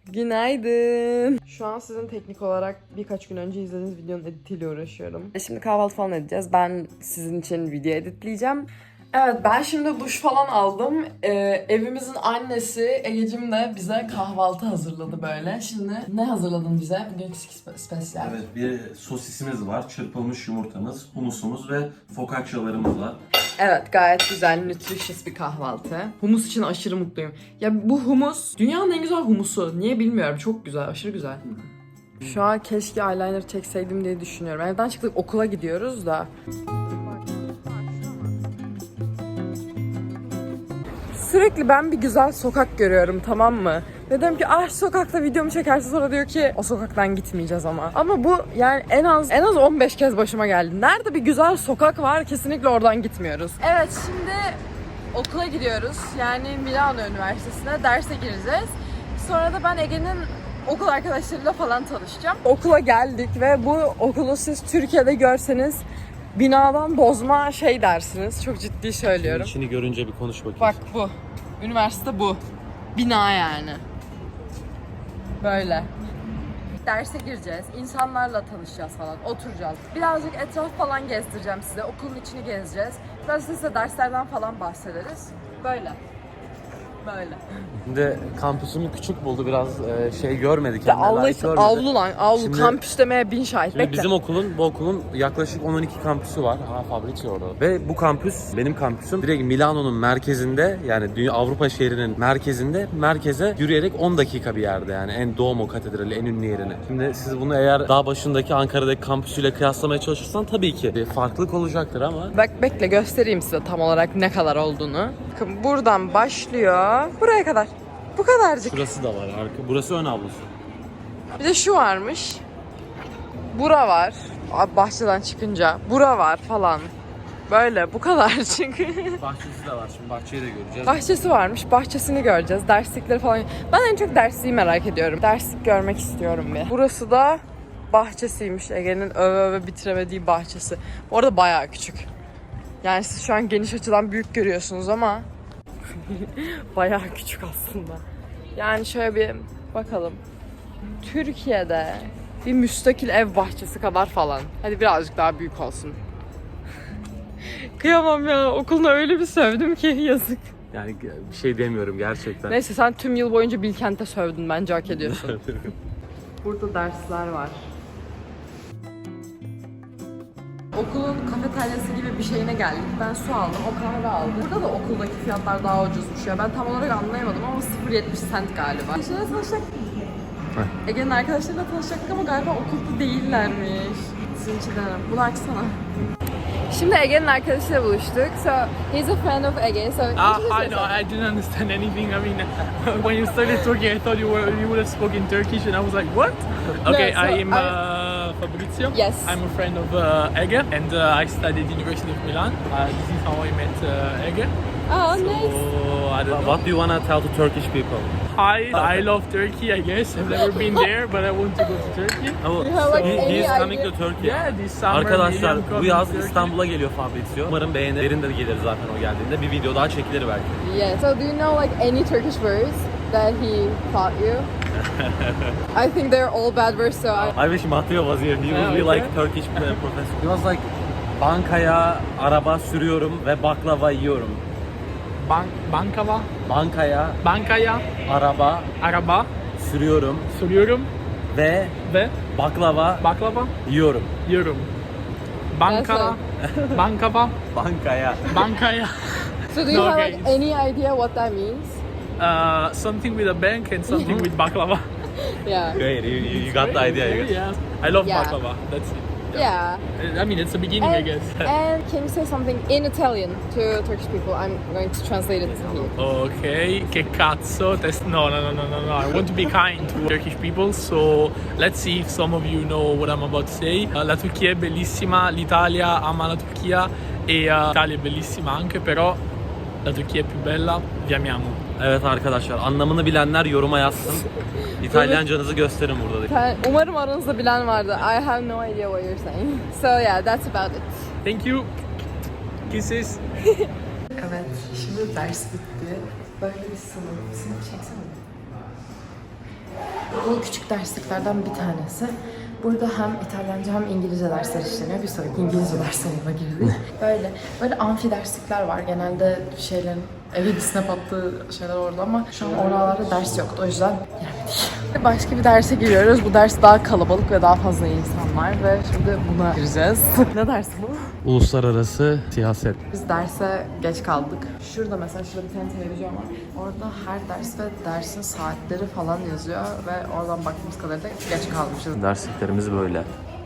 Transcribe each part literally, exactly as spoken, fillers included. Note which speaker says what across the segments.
Speaker 1: Günaydın. Şu an sizin teknik olarak birkaç gün önce izlediğiniz videonun editiyle uğraşıyorum. Şimdi kahvaltı falan edeceğiz. Ben sizin için video editleyeceğim. Evet, ben şimdi duş falan aldım. Ee, evimizin annesi Egecim de bize kahvaltı hazırladı böyle. Şimdi ne hazırladın bize? Bugünkü spe- spesiyel.
Speaker 2: Evet, bir sosisimiz var, çırpılmış yumurtamız, humusumuz ve focaccialarımız var.
Speaker 1: Evet, gayet güzel, nutritious bir kahvaltı. Humus için aşırı mutluyum. Ya bu humus, dünyanın en güzel humusu. Niye bilmiyorum, çok güzel, aşırı güzel. Şu an keşke eyeliner çekseydim diye düşünüyorum. Evden çıktık, okula gidiyoruz da. Sürekli ben bir güzel sokak görüyorum, tamam mı? Dedim ki ah sokakta videomu çekerse, sonra diyor ki o sokaktan gitmeyeceğiz ama. Ama bu yani en az en az on beş kez başıma geldi. Nerede bir güzel sokak var, kesinlikle oradan gitmiyoruz. Evet, şimdi okula gidiyoruz. Yani Milano Üniversitesi'ne derse gireceğiz. Sonra da ben Ege'nin okul arkadaşlarıyla falan tanışacağım. Okula geldik ve bu okulu siz Türkiye'de görseniz binadan bozma şey dersiniz. Çok ciddi söylüyorum.
Speaker 2: İçini görünce bir konuş bakayım.
Speaker 1: Bak bu. Üniversite bu. Bina yani. Böyle. Derse gireceğiz. İnsanlarla tanışacağız falan. Oturacağız. Birazcık etraf falan gezdireceğim size. Okulun içini gezeceğiz. Biraz size derslerden falan bahsederiz. Böyle. Böyle.
Speaker 2: Şimdi kampüsümü küçük buldu, biraz e, şey görmedik.
Speaker 1: Ya Allah için avlu lan. Avlu.
Speaker 2: Şimdi-
Speaker 1: Kampüs demeye bin şahit.
Speaker 2: Şimdi
Speaker 1: Bekle.
Speaker 2: bizim okulun, bu okulun yaklaşık on on iki kampüsü var. Ha, Fabrizio orada. Ve bu kampüs, benim kampüsüm direkt Milano'nun merkezinde, yani Dünya Avrupa şehrinin merkezinde, merkeze yürüyerek on dakika bir yerde yani. En Duomo Katedrali, en ünlü yerine. Şimdi siz bunu eğer dağ başındaki Ankara'daki kampüsüyle kıyaslamaya çalışırsan tabii ki bir farklılık olacaktır ama.
Speaker 1: Bak bekle, göstereyim size tam olarak ne kadar olduğunu. Bakın buradan başlıyor. Buraya kadar. Bu kadarcık.
Speaker 2: Şurası da var arka. Burası ön avlusu.
Speaker 1: Bir de şu varmış. Bura var. Bahçeden çıkınca. Bura var falan. Böyle bu kadar çünkü.
Speaker 2: Bahçesi de var. Şimdi bahçeyi de göreceğiz.
Speaker 1: Bahçesi varmış. Bahçesini göreceğiz. Derslikleri falan. Ben en çok dersliği merak ediyorum. Derslik görmek istiyorum bir. Burası da bahçesiymiş. Ege'nin öve öve bitiremediği bahçesi. Bu arada bayağı küçük. Yani siz şu an geniş açıdan büyük görüyorsunuz ama bayağı küçük aslında. Yani şöyle bir bakalım. Türkiye'de bir müstakil ev bahçesi kadar falan. Hadi birazcık daha büyük olsun. Kıyamam ya. Okulunu öyle bir sövdüm ki yazık.
Speaker 2: Yani bir şey demiyorum gerçekten.
Speaker 1: Neyse, sen tüm yıl boyunca Bilkent'e sövdün. Bence hak ediyorsun. Burada dersler var. Okulun kafeteryası gibi bir şeyine geldik. Ben su aldım, o kahve aldı. Burada da okuldaki fiyatlar daha ucuzmuş ya. Ben tam olarak anlayamadım ama sıfır virgül yetmiş cent galiba. Şöyle tanışacak. Ege'nin arkadaşlarıyla tanışacaktık ama galiba okulda değillermiş. Sizin için denem. Bunu açsana. Şimdi Ege'nin arkadaşıyla buluştuk. So, he's a friend of Ege. So,
Speaker 3: Ah, I know. I didn't understand anything. I mean, when you started talking, I thought you were you would have spoken Turkish, and I was like, what? Okay,
Speaker 1: so
Speaker 3: I am
Speaker 1: I-
Speaker 3: uh, Fabrizio.
Speaker 1: Yes.
Speaker 3: I'm a friend of uh, Ege, and uh, I studied University of Milan. Uh, this is how I met uh, Ege.
Speaker 1: Oh,
Speaker 3: So
Speaker 1: nice.
Speaker 3: I don't know.
Speaker 2: What do you want to tell to Turkish people?
Speaker 3: Hi, I love Turkey. I guess I've never been there, but I want to go to Turkey.
Speaker 2: Oh,
Speaker 1: You have, like,
Speaker 2: he, he is
Speaker 1: any
Speaker 2: coming
Speaker 1: idea?
Speaker 2: to Turkey.
Speaker 3: Yeah, this summer.
Speaker 2: Arkadaşlar
Speaker 3: maybe I'm
Speaker 2: bu
Speaker 3: coming
Speaker 2: yaz
Speaker 3: to Turkey.
Speaker 2: İstanbul'a geliyor Fabrizio. Umarım beğenir. Derin de gelir zaten o geldiğinde. Bir video daha çekilir belki.
Speaker 1: Yeah. So, do you know like any Turkish words that he taught you? I think they're all bad words. So, I...
Speaker 2: I wish Matteo was here. He would
Speaker 3: Yeah,
Speaker 2: be
Speaker 3: okay.
Speaker 2: like Turkish professor. He was like, bankaya araba sürüyorum ve baklava yiyorum.
Speaker 3: Bank, bankava,
Speaker 2: Bankaya
Speaker 3: bankaya,
Speaker 2: araba
Speaker 3: araba
Speaker 2: sürüyorum
Speaker 3: sürüyorum
Speaker 2: ve
Speaker 3: ve
Speaker 2: baklava
Speaker 3: baklava
Speaker 2: yiyorum.
Speaker 3: yiyorum. Banka, bankava,
Speaker 2: Bankaya.
Speaker 3: bankaya.
Speaker 1: So, do you have
Speaker 3: Okay.
Speaker 1: like any idea what that means?
Speaker 3: Uh, something with a bank and something with baklava.
Speaker 1: Yeah.
Speaker 2: Great, you, you, you got the idea. I guess.
Speaker 3: Yeah. I love
Speaker 1: Yeah.
Speaker 3: baklava. That's it.
Speaker 1: Yeah.
Speaker 3: I mean, it's the beginning, I
Speaker 1: And,
Speaker 3: guess.
Speaker 1: and can you say something in Italian to Turkish people? I'm going to translate it to you.
Speaker 3: Okay, che cazzo? Test- no, no, no, no, no, no. I want to be kind to Turkish people, so let's see if some of you know what I'm about to say. Uh, la Turchia è bellissima, l'Italia ama la Turchia e uh, l'Italia è bellissima anche, però la Turchia è più bella, vi amiamo.
Speaker 2: Evet arkadaşlar, anlamını bilenler yoruma yazsın. İtalyancanızı gösterin burada.
Speaker 1: Ben- Umarım aranızda bilen vardı. I have no idea what you're saying. So yeah, that's about it.
Speaker 3: Thank you. Kisses.
Speaker 1: Evet, şimdi ders bitti. Böyle bir sınıf. Sınıf çeksene. Bu küçük dersliklerden bir tanesi. Burada hem İtalyanca hem İngilizce dersler işleniyor. Bir sonraki İngilizce ders salonuna girdik. Böyle böyle amfi derslikler var. Genelde şeylerin evi snap attığı şeyler orada ama şu an oralarda ders yoktu. O yüzden giremedik. Başka bir derse giriyoruz. Bu ders daha kalabalık ve daha fazla insan var ve şimdi buna gireceğiz. Ne dersi bu?
Speaker 2: Uluslararası siyaset.
Speaker 1: Biz derse geç kaldık. Şurada mesela şurada bir tane televizyon var. Orada her ders ve dersin saatleri falan yazıyor ve oradan baktığımız kadarıyla geç kalmışız.
Speaker 2: Dersliklerimiz böyle.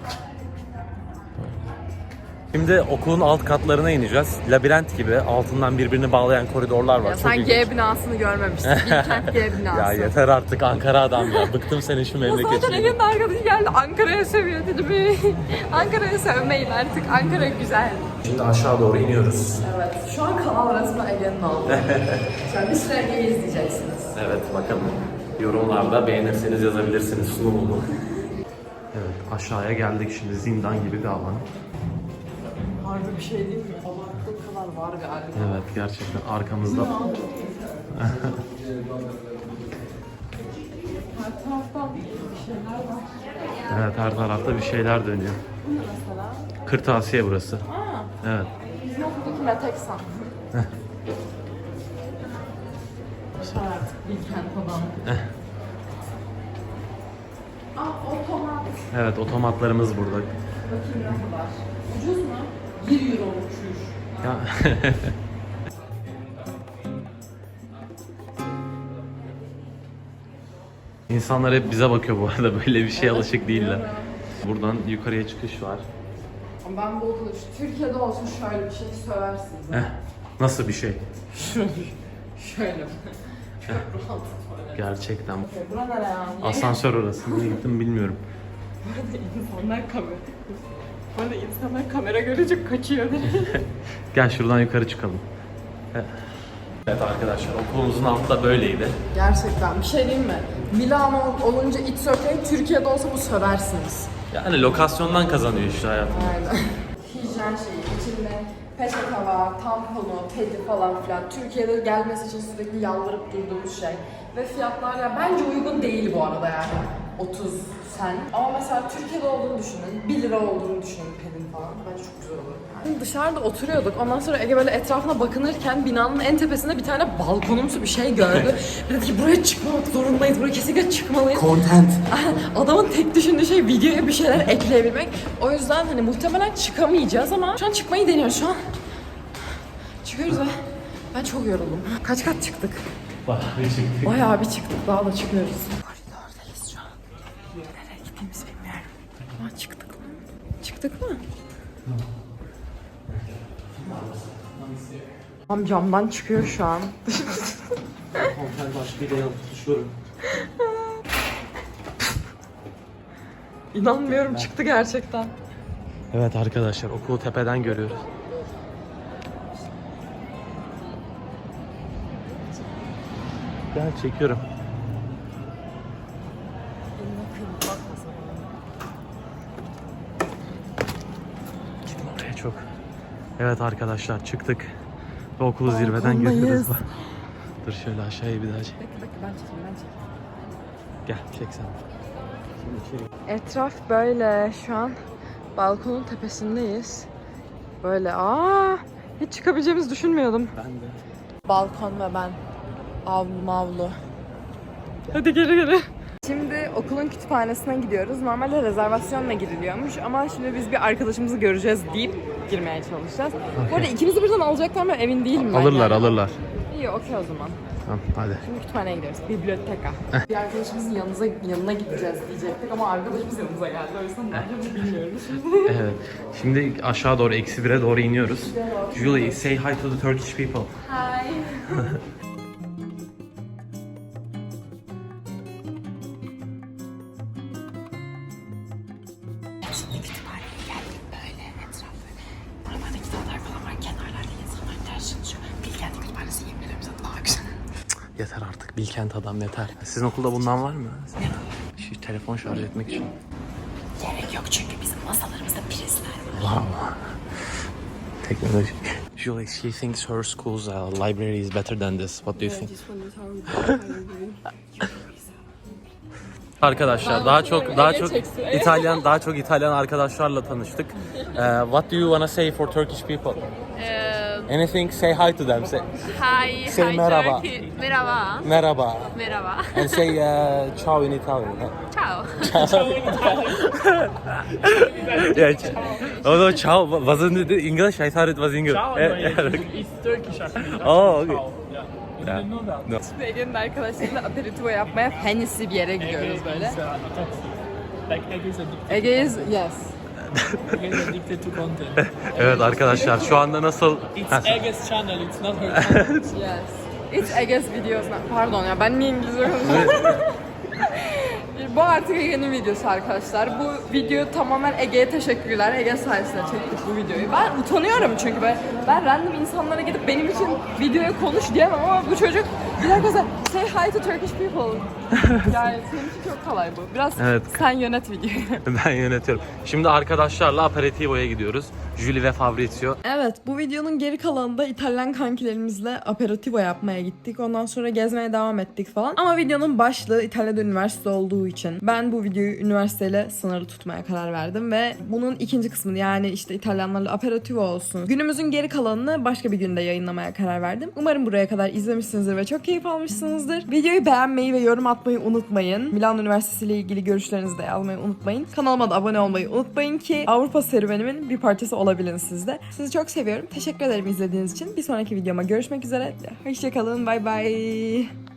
Speaker 2: Şimdi okulun alt katlarına ineceğiz. Labirent gibi altından birbirini bağlayan koridorlar var.
Speaker 1: Ya
Speaker 2: Çok
Speaker 1: sen
Speaker 2: ilginç.
Speaker 1: G binasını görmemiştin. Bilkent G binası.
Speaker 2: Ya yeter artık Ankara adam ya. Bıktım senin şu
Speaker 1: Zaten
Speaker 2: memleketini.
Speaker 1: Ege'nin arkadaşı geldi Ankara'ya seviyor dedi mi? Ankara'ya sevmeyin artık. Ankara güzel.
Speaker 2: Şimdi aşağı doğru iniyoruz.
Speaker 1: Evet. Şu an kanal resmen Ege'nin oldu. Şu an bir süre Ege'yi izleyeceksiniz.
Speaker 2: Evet bakalım. Yorumlarda beğenirseniz yazabilirsiniz sunumumu. Evet aşağıya geldik şimdi zindan gibi bir alan.
Speaker 1: Harbi bir şey değil mi? Abarttığı kadar var galiba.
Speaker 2: Evet gerçekten arkamızda.
Speaker 1: Her taraftan bir şeyler var.
Speaker 2: Evet her tarafta bir şeyler dönüyor.
Speaker 1: Mesela.
Speaker 2: Kırtasiye burası.
Speaker 1: Aa,
Speaker 2: Evet.
Speaker 1: bizim okuldaki Meteksan. Şu artık Bilkent falan. Aa, otomat.
Speaker 2: Evet otomatlarımız burada.
Speaker 1: Bakayım ne kadar. Ucuz mu? bir euro uçuş.
Speaker 2: Ya. İnsanlar hep bize bakıyor bu arada böyle bir şeye alışık değiller. Buradan yukarıya çıkış var.
Speaker 1: Ama ben bu okulu şu Türkiye'de olsun şöyle bir şey söversiniz.
Speaker 2: Eh, nasıl bir şey?
Speaker 1: Şöyle. Şöyle. Çok rahat.
Speaker 2: Gerçekten.
Speaker 1: Bura nere ya? Niye?
Speaker 2: Asansör orası. Niye gittim bilmiyorum.
Speaker 1: Bu arada insanlar kamera. Bu arada insanlar kamera görünce kaçıyor.
Speaker 2: Gel şuradan yukarı çıkalım. Evet arkadaşlar okulumuzun altı da böyleydi.
Speaker 1: Gerçekten bir şey diyeyim mi? Milano olunca it's okay, Türkiye'de olsa bu söversiniz.
Speaker 2: Yani lokasyondan kazanıyor işte hayat.
Speaker 1: Aynen. Hijyen şeyi, içinde peçete var, tamponu, pedi falan filan. Türkiye'de gelmesi için sürekli yalvarıp durduğumuz şey. Ve fiyatlar ya bence uygun değil bu arada yani. otuz sen. Ama mesela Türkiye'de olduğunu düşünün, bir lira olduğunu düşünün pedin falan. Bence çok güzel olur. Yani. Dışarıda oturuyorduk. Ondan sonra Ege böyle etrafına bakınırken binanın en tepesinde bir tane balkonumsu bir şey gördü. Dedi ki buraya çıkmamak zorundayız, buraya kesinlikle çıkmalıyız.
Speaker 2: Content.
Speaker 1: Adamın tek düşündüğü şey videoya bir şeyler ekleyebilmek. O yüzden hani muhtemelen çıkamayacağız ama şu an çıkmayı deniyoruz şu an. Çıkıyoruz ve ben çok yoruldum. Kaç kat çıktık?
Speaker 2: Bayağı bir çıktık.
Speaker 1: Bayağı bir çıktık. Daha da çıkıyoruz. Koridordayız şu an. Nereye gittiğimizi bilmiyorum. Ama çıktık mı? Çıktık mı? Tam camdan çıkıyor şu an.
Speaker 2: Content başkayla yanıp tutuşuyorum.
Speaker 1: İnanmıyorum çıktı gerçekten.
Speaker 2: Evet arkadaşlar okulu tepeden görüyoruz. Gel çekiyorum. Gitme oraya çok. Evet arkadaşlar çıktık. Ve okulu zirveden
Speaker 1: Balkondayız.
Speaker 2: görüyoruz. Dur şöyle aşağıya bir daha çek.
Speaker 1: Bekle bekle ben çekeyim ben çekeyim.
Speaker 2: Gel çek sen. Şimdi içeri.
Speaker 1: Etraf böyle şu an balkonun tepesindeyiz. Böyle aa hiç çıkabileceğimizi düşünmüyordum.
Speaker 2: Ben de.
Speaker 1: Balkon ve ben. Avlu mavlu. Hadi geri geri. Şimdi okulun kütüphanesine gidiyoruz. Normalde rezervasyonla giriliyormuş ama şimdi biz bir arkadaşımızı göreceğiz deyip girmeye çalışacağız. Bu arada ikimizi birden alacaklar mı emin değilim ben.
Speaker 2: Alırlar
Speaker 1: yani.
Speaker 2: alırlar.
Speaker 1: İyi okey o zaman.
Speaker 2: Tamam hadi.
Speaker 1: Şimdi kütüphaneye gidiyoruz. Biblioteka. bir arkadaşımızın yanınıza, yanına gideceğiz diyecektik ama arkadaşımız yanımıza geldi. O yüzden ne yapacağımızı bilmiyoruz.
Speaker 2: Evet. Şimdi aşağı doğru eksi bire doğru iniyoruz. Julie, say hi to the Turkish people.
Speaker 1: Hi. Şimdi kütüphaneye geldim böyle etraf böyle. Buralarda kitaplar falan var. Kenarlarda insanlar ders çalışıyor. Bilkent Kütüphanesi yemin ediyorum sana daha güzel.
Speaker 2: Yeter artık Bilkent adam yeter. Sizin okulda bundan var mı? Şu telefon şarj etmek için.
Speaker 1: Gerek yok çünkü bizim masalarımızda prizler var.
Speaker 2: Wow. Teknoloji. Julie, she thinks her school's uh, library is better than this. What do you think? Arkadaşlar daha çok daha çok İtalyan daha çok İtalyan arkadaşlarla tanıştık. Uh, what do you wanna say for Turkish people?
Speaker 4: Uh,
Speaker 2: Anything? Say hi to them. Say
Speaker 4: hi,
Speaker 2: Say
Speaker 4: hi
Speaker 2: merhaba.
Speaker 4: Turkey. Merhaba.
Speaker 2: merhaba.
Speaker 4: Merhaba.
Speaker 2: And say uh, ciao in Italian.
Speaker 4: Ciao.
Speaker 2: Yeah. Although ciao wasn't it English? I thought it was English.
Speaker 3: Ciao,
Speaker 2: Eh,
Speaker 3: no,
Speaker 2: yeah,
Speaker 3: it's,
Speaker 2: okay.
Speaker 3: it's Turkish actually. That's
Speaker 2: Oh, okay.
Speaker 3: ciao. Yeah. You
Speaker 2: Yeah.
Speaker 3: didn't know that?
Speaker 2: No.
Speaker 1: Ege'nin arkadaşlarıyla aperitivo yapmaya fancy bir yere gidiyoruz
Speaker 3: Ege
Speaker 1: böyle.
Speaker 3: is, uh, toxic. Like Ege is addicted.
Speaker 1: Ege is, yes.
Speaker 3: Ege is addicted to content.
Speaker 2: Evet arkadaşlar şu anda nasıl?
Speaker 3: It's Ege's channel, it's not her channel.
Speaker 1: Yes. It's Ege's videos. Pardon ya ben niye İngilizce konuşuyorum? Bu artık Ege'nin videosu arkadaşlar. Bu video tamamen Ege'ye teşekkürler. Ege sayesinde çektik bu videoyu. Ben utanıyorum çünkü ben, ben random insanlara gidip benim için videoya konuş diyemem ama bu çocuk bir dakika sen say hi to Turkish people. Yani senin için çok kolay bu. Biraz
Speaker 2: Evet.
Speaker 1: sen yönet videoyu.
Speaker 2: Ben yönetiyorum. Şimdi arkadaşlarla aperitivo'ya gidiyoruz. Julie ve Fabrizio.
Speaker 1: Evet, bu videonun geri kalanında İtalyan kankilerimizle aperitivo yapmaya gittik. Ondan sonra gezmeye devam ettik falan. Ama videonun başlığı İtalya'da üniversite olduğu için ben bu videoyu üniversiteyle sınırlı tutmaya karar verdim ve bunun ikinci kısmını yani işte İtalyanlarla aperitivo olsun. Günümüzün geri kalanını başka bir günde yayınlamaya karar verdim. Umarım buraya kadar izlemişsinizdir ve çok keyif almışsınızdır. Videoyu beğenmeyi ve yorum atmayı unutmayın. Milano Üniversitesi ile ilgili görüşlerinizi de yazmayı unutmayın. Kanalıma da abone olmayı unutmayın ki Avrupa serüvenimin bir parçası olabilin siz de. Sizi çok seviyorum. Teşekkür ederim izlediğiniz için. Bir sonraki videoma görüşmek üzere. Hoşçakalın. Bay bay.